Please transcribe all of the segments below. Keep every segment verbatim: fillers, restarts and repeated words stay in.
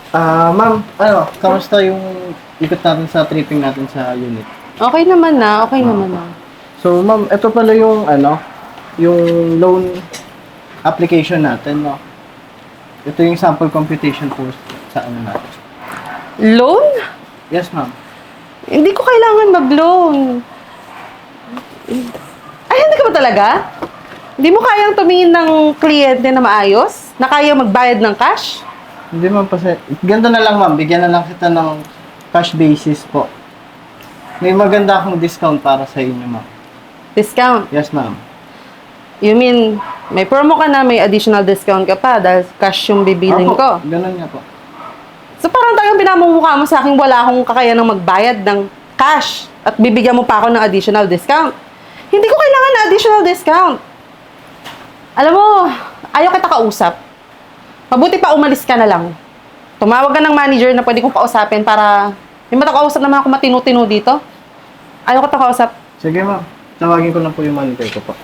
Ah, ma'am, ano, kamusta yung ikot natin sa tripping natin sa unit? Okay naman na, okay naman na. So, ma'am, ito pala yung ano, yung loan application natin, no? Ito yung sample computation po sa ano natin. Loan? Yes, ma'am. Hindi ko kailangan mag-loan. Ay, hindi ka ba talaga? Hindi mo kayang tumingin ng kliyente na maayos? Na kaya magbayad ng cash? Hindi, ma'am, kasi ganito na lang, ma'am. Bigyan na lang kita ng cash basis po. May maganda akong discount para sa inyo, ma'am. Discount? Yes, ma'am. You mean, may promo ka na, may additional discount ka pa dahil cash yung bibiling Apo, ko. ganun nga po. So parang talagang pinamumukha mo sa akin wala akong kakayanang magbayad ng cash at bibigyan mo pa ako ng additional discount. Hindi ko kailangan ng additional discount. Alam mo, ayaw kita kausap. Mabuti pa umalis ka na lang. Tumawag ka ng manager na pwede kong kausapin para may matakausap naman ako matinu-tinu dito. Ayaw kita kausap. Sige, ma'am. Tawagin ko lang po yung manager ko po.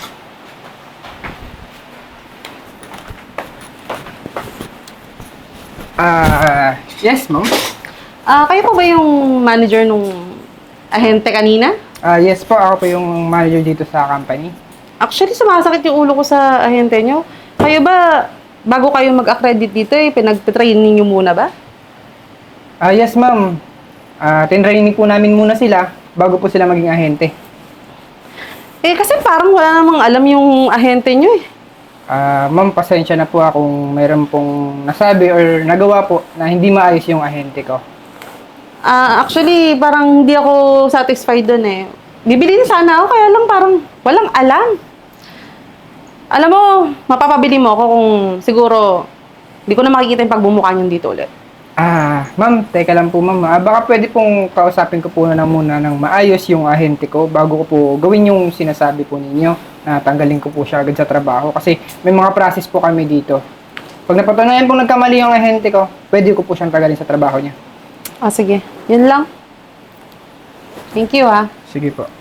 Ah, yes, ma'am. Ah, kayo po ba yung manager nung ahente kanina? Ah, yes po, ako po yung manager dito sa company. Actually, sumasakit yung ulo ko sa ahente nyo. Kayo ba, bago kayo mag-accredit dito, eh, pinag-training nyo muna ba? Ah, yes, ma'am. Ah, tinraining po namin muna sila bago po sila maging ahente. Eh, kasi parang wala namang alam yung ahente nyo eh. Ah, ma'am, pasensya na po ah kung mayroon pong nasabi or nagawa po na hindi maayos yung ahente ko. Ah, actually, parang hindi ako satisfied dun eh. Bibili na sana ako, kaya lang parang walang alam. Alam mo, mapapabili mo ako kung siguro hindi ko na makikita yung pagbumukha niyo dito ulit. Ah, ma'am, teka lang po, ma'am. Ah, baka pwede pong kausapin ko po na muna ng maayos yung ahente ko bago ko po gawin yung sinasabi po ninyo na tanggalin ko po siya agad sa trabaho kasi may mga process po kami dito. Pag napatunayan pong nagkamali yung ahente ko, pwede ko po siyang tanggalin sa trabaho niya. Ah, sige. Yun lang. Thank you ah. Sige po.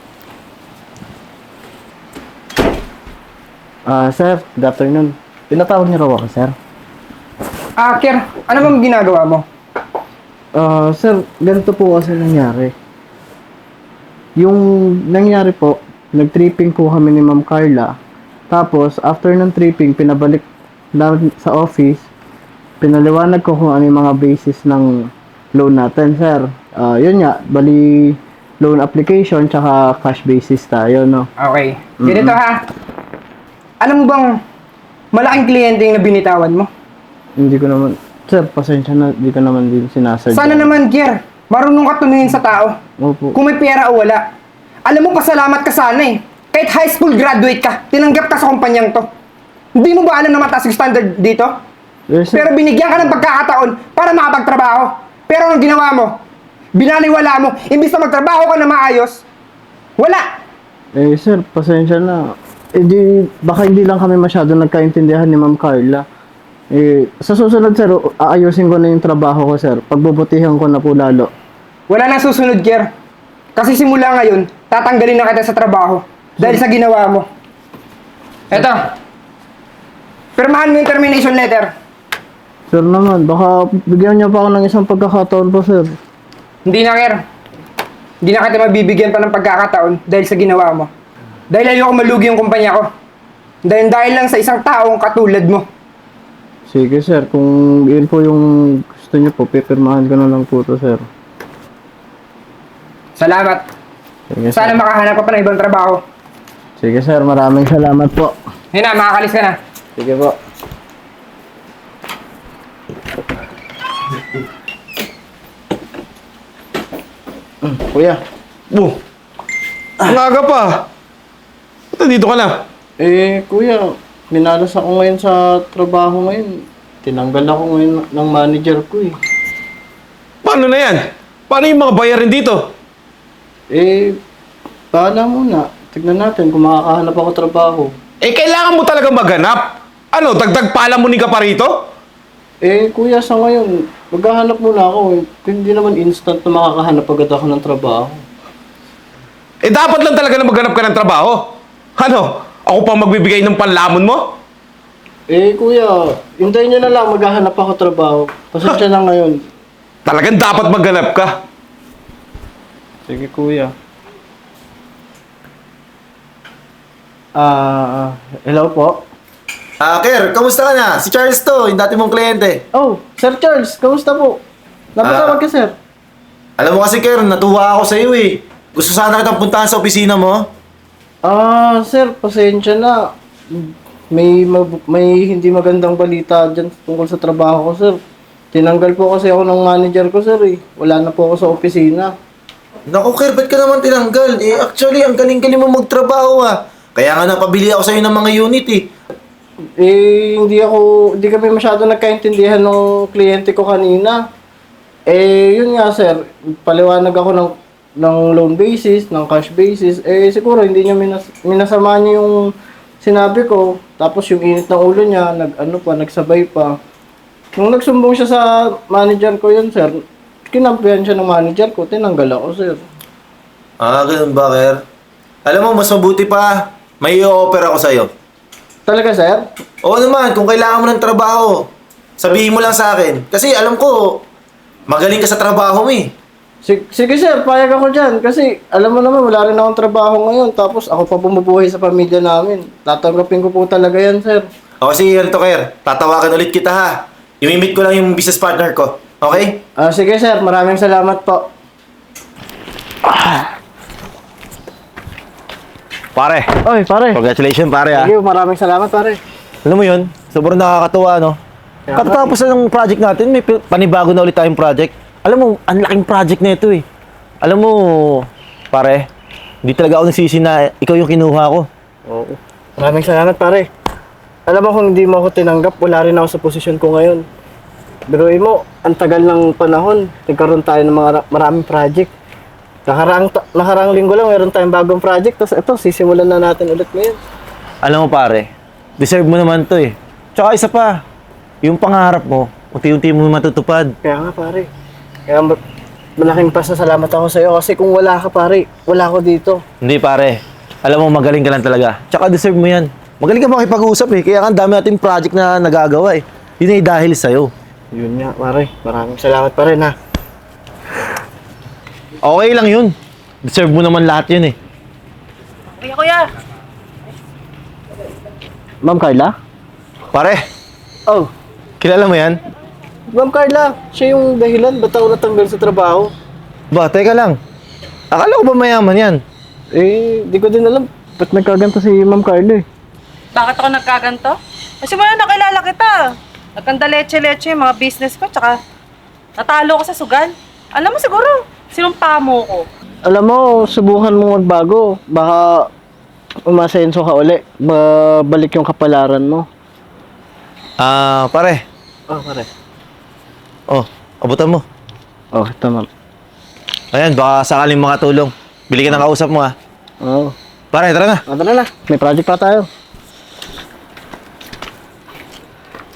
Ah, sir, good afternoon. Pinatawag niyo raw ako, sir. Ah, Kier, ano bang ginagawa mo? Ah, sir, ganito po kasi nangyari. Yung nangyari po, nag-tripping po kami ni Ma'am Carla. Tapos, after ng tripping, pinabalik namin sa office. Pinaliwanag ko kung ano yung mga basis ng loan natin, sir. Ah, yun nga, bali loan application tsaka cash basis tayo, no? Okay. Ganito ha. Alam mo bang malaking kliyente yung nabinitawan mo? Hindi ko naman, sir, pasensya na, hindi ko naman din sinasadya. Sana naman, Kier, marunong ka tumingin sa tao. Opo. Kung may pera o wala. Alam mo, pasalamat ka sana eh. Kahit high school graduate ka, tinanggap ka sa kumpanyang to. Hindi mo ba alam na mataas yung standard dito? Yes, sir. Pero binigyan ka ng pagkakataon para makapagtrabaho. Pero ang ginawa mo, binaliwala mo, imbis na magtrabaho ka na maayos, wala. Eh, sir, pasensya na. Eh, di, baka hindi lang kami masyado nagkaintindihan ni Ma'am Carla. Eh, sa susunod, sir, aayusin ko na yung trabaho ko, sir. Pagbubutihan ko na po lalo. Wala nang susunod, Kier. Kasi simula ngayon, tatanggalin na kita sa trabaho dahil sa ginawa mo. Eto, pirmahan mo yung termination letter. Sir naman, baka bigyan niyo pa ako ng isang pagkakataon po, sir. Hindi na, Kier. Hindi na kita mabibigyan pa ng pagkakataon dahil sa ginawa mo. Dahil ayoko malugi yung kumpanya ko. Dahil dahil lang sa isang taong katulad mo. Sige, sir. Kung yun po yung gusto niyo po, pipirmahan ko na lang po to, sir. Salamat. Sige, Sana sir. makahanap ka pa ng ibang trabaho. Sige, sir. Maraming salamat po. Yun na, makakalis ka na. Sige po. Mm, kuya. Oh, ang aga pa. Ba't nandito ka na? Eh, kuya, minalas ako ngayon sa trabaho ngayon. Tinanggal ako ngayon ng manager ko eh. Paano na yan? Paano yung mga bayarin dito? Eh, bahala muna. Tignan natin kung makakahanap ako trabaho. Eh, kailangan mo talaga maghanap. Ano, dagdag palamunin ka pa rito? Eh, kuya, sa ngayon, maghahanap muna ako eh. Hindi naman instant na makakahanap agad ako ng trabaho. Eh, dapat lang talaga na maghanap ka ng trabaho. Ano, ako pa magbibigay ng panlamon mo? Eh, kuya, hintayin niyo na lang, maghahanap ako trabaho. Pasensya na ngayon. Talagang dapat maghanap ka. Sige, kuya. Ah, hello po. Ah, Ker, kamusta ka na? Si Charles to, yung dati mong kliyente. Oh, Sir Charles, kamusta po? Napatawag Ah. ka, sir. Alam mo kasi, Ker, natuwa ako sa iyo eh. Gusto sana kitang puntahan sa opisina mo. Ah, sir, pasensya na. May mab- may hindi magandang balita dyan tungkol sa trabaho ko, sir. Tinanggal po kasi ako ng manager ko, sir, eh. Wala na po ako sa opisina. Naku, Ker, ba't ka naman tinanggal? Eh, actually, ang galing-galing mo magtrabaho ah. Kaya nga napabili ako sa'yo ng mga unit eh. Eh, hindi ako, hindi kami masyado nagkaintindihan ng kliyente ko kanina. Eh, yun nga, sir. Paliwanag ako ng, ng loan basis, ng cash basis. Eh, siguro hindi niya minas, minasama niya yung sinabi ko. Tapos yung init ng ulo niya, nag, ano pa, nagsabay pa. Nung nagsumbong siya sa manager ko yun, sir, kinampihan siya ng manager ko, tinanggal ako, sir. Ah, ganun ba, Ker? Alam mo, mas mabuti pa. May i-offer ako sa'yo. Talaga, sir? Oo naman, kung kailangan mo ng trabaho, sabihin mo lang sa akin. Kasi alam ko, magaling ka sa trabaho mo eh. Sige, sige sir, payag ako dyan. Kasi alam mo naman, wala rin akong trabaho ngayon. Tapos ako pa bumubuhay sa pamilya namin. Tatanggapin ko po talaga yan, sir. O kasi ganito, Ker. Tatawagan ulit kita ha. Imimit ko lang yung business partner ko. Okay? Ah, sige sir, maraming salamat po. Pare, Oy, pare. congratulations pare ah. Thank you, maraming salamat, pare. Alam mo yun, sobrang nakakatuwa no. Katatapos na ng project natin, may pi- panibago na ulit tayong project. Alam mo, ang laking project na ito eh. Alam mo, pare, hindi talaga ako nagsisi na ikaw yung kinuha ko. Oo. Maraming salamat, pare. Alam mo kung hindi mo ako tinanggap, wala rin ako sa posisyon ko ngayon. Biruin mo, ang tagal ng panahon, nagkaroon tayo ng mga ra- maraming project. Nakaraang, ta- nakaraang linggo lang, meron tayong bagong project. Tapos ito, sisimulan na natin ulit ngayon. Alam mo pare, deserve mo naman to eh. Tsaka isa pa, yung pangarap mo, unti-unti mo matutupad. Kaya nga, pare. Kaya ma- malaking pasasalamat ako sa'yo kasi kung wala ka, pare, wala ako dito. Hindi pare, alam mo magaling ka lang talaga. Tsaka deserve mo yan. Magaling ka makipag-usap eh, kaya nga ang dami natin project na nagagawa eh. Yun ay dahil sa'yo. Yun nga, pare. Maraming salamat pa rin, ha. Okay lang yun. Deserve mo naman lahat yun eh. Kuya, kuya. Ma'am Carla? Pare, Oh, kilala mo yan? Ma'am Carla, siya yung dahilan ba't ako natanggal sa trabaho? Ba, teka lang. Akala ko ba mayaman yan? Eh, di ko din alam. Ba't nagkaganto si Ma'am Carla eh? Bakit ako nagkaganto? Kasi wala nakilala kita. Nagkanda leche-leche yung mga business ko, tsaka natalo ko sa sugal. Alam mo siguro, sinumpa mo ko. Alam mo, subukan mo magbago. Baka umasenso ka uli. Babalik yung kapalaran mo. Ah, pare. Oh, pare. Oh, abutan mo. Oh, ito ma'am. Ayan, baka sakaling makatulong. Bili ka ng kausap mo ah. Oh. Pare, tara na. Oh, tara na. May project pa tayo.